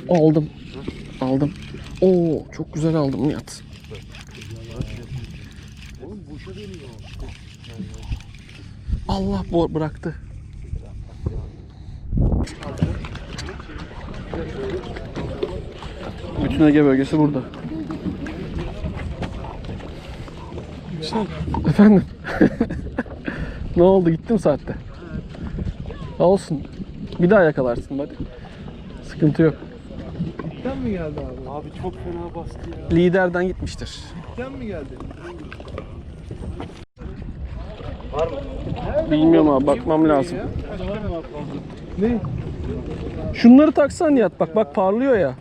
Aldım. Aldım. Oo, çok güzel aldım Nihat. Allah bıraktı. Bütün Ege bölgesi burada. Efendim? Ne oldu? Gittim saatte. Olsun. Bir daha yakalarsın hadi. Sıkıntı yok. Dipten mi geldi abi? Abi çok fena bastı ya. Liderden gitmiştir. Dipten mi geldi? Var mı? Bilmiyorum abi, bakmam lazım. Ne? Şunları taksan Nihat, bak parlıyor ya.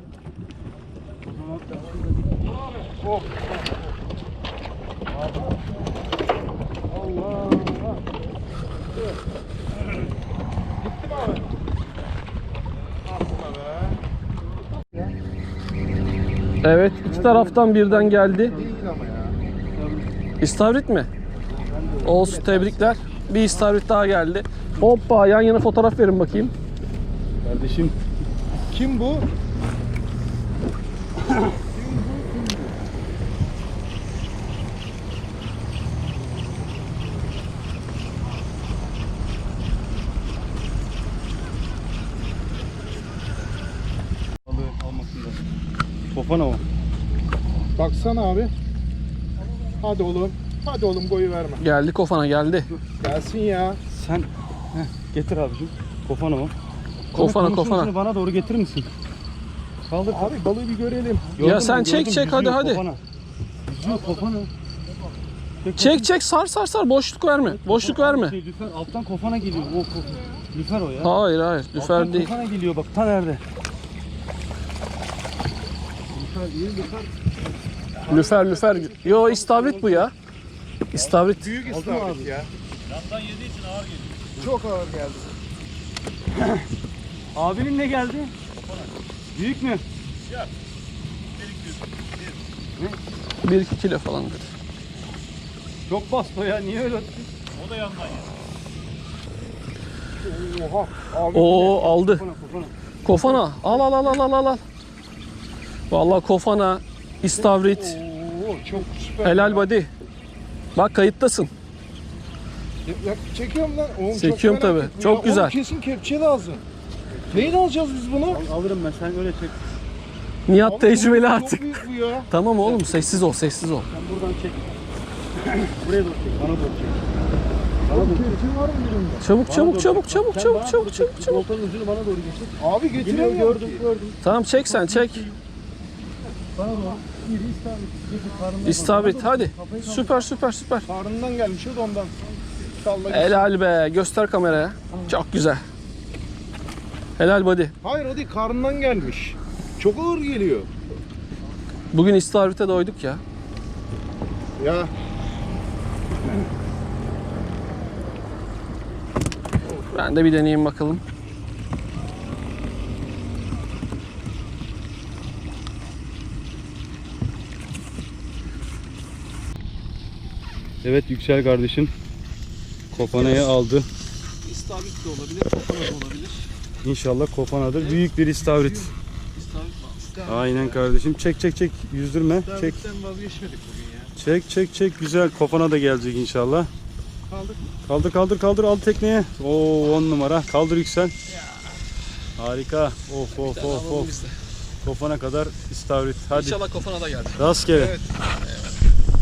Evet, iki taraftan birden geldi. Değil ama ya. İstavrit mi? Olsun, tebrikler. Bir istavrit daha geldi. Hoppa, yan yana fotoğraf verin bakayım. Kardeşim. Kim bu? Balığı almasın da. Kofana o. Baksana abi. Hadi oğlum. Hadi oğlum, boyu verme. Geldi kofana, geldi. Gelsin ya. Sen getir abicim. Kofana o. Kofana, kofana. Şunu bana doğru getirir misin? Kaldır. Abi balığı bir görelim. Ya sen çek, hadi hadi. Kofana. Yüzüyor kofana. Çek, sar, boşluk verme. Boşluk verme. Lüfer alttan kofana geliyor. Lüfer o ya. Hayır, lüfer Alttan değil. kofana geliyor bak, ta nerede? Lüfer değil, lüfer. Lüfer. Yo, istavrit bu ya. İstavrit. Büyük istavrit ya. Yandan yediği için ağır geliyor. Çok ağır geldi. Abinin ne geldi? Büyük mü? 1-2 kilo falan dedi. Çok bastı o ya. Niye öyle attı? O da yandan yedi. Oha. Abi. Oo, aldı. Kofana. Kofana. Al. Vallahi kofana, istavrit. Oo, çok süper. Helal body. Bak, kayıttasın. Ya, çekiyorum lan. Oğlum, Çekiyorum çok merak tabii. ettim Çok ya. güzel. Oğlum, kesin kepçe lazım. Neyle alacağız biz bunu? Alırım ben, sen öyle çek. Nihat Abi, tecrübeli çok artık. büyük bu ya. Tamam oğlum, sessiz ol. Sen buradan çek. Buraya doğru çek, bana doğru çek. Oğlum, kepçe var mı birinde? Çabuk. Voltanın ucunu bana doğru getir. Abi getiremiyorum ki. Gördüm. Tamam, çek sen, çek. Bana doğru. İri istavrit. Getir karnından. İstavrit, hadi. Süper. Karnından gelmiş o da ondan. Salla gitsin. Helal be. Göster kameraya. Çok güzel. Helal body. Hayır, o değil, karnından gelmiş. Çok ağır geliyor. Bugün istavrite doyduk ya. Ya. Ben de bir deneyeyim bakalım. Evet Yüksel kardeşim. Kofanayı aldı. İstavrit de olabilir, kofana da olabilir. İnşallah kofanadır. Büyük bir istavrit. İstavrit mi? Aynen kardeşim. Çek. Yüzdürme. Çek. Sen vazgeçmedik bugün ya. Çek. Güzel. Kofana da gelecek inşallah. Kaldık. Kaldır. Al tekneye. Oo 10 numara. Kaldır Yüksel. Harika. Of. Kofana kadar istavrit. Hadi. İnşallah kofana da gelir. Rastgele. Evet.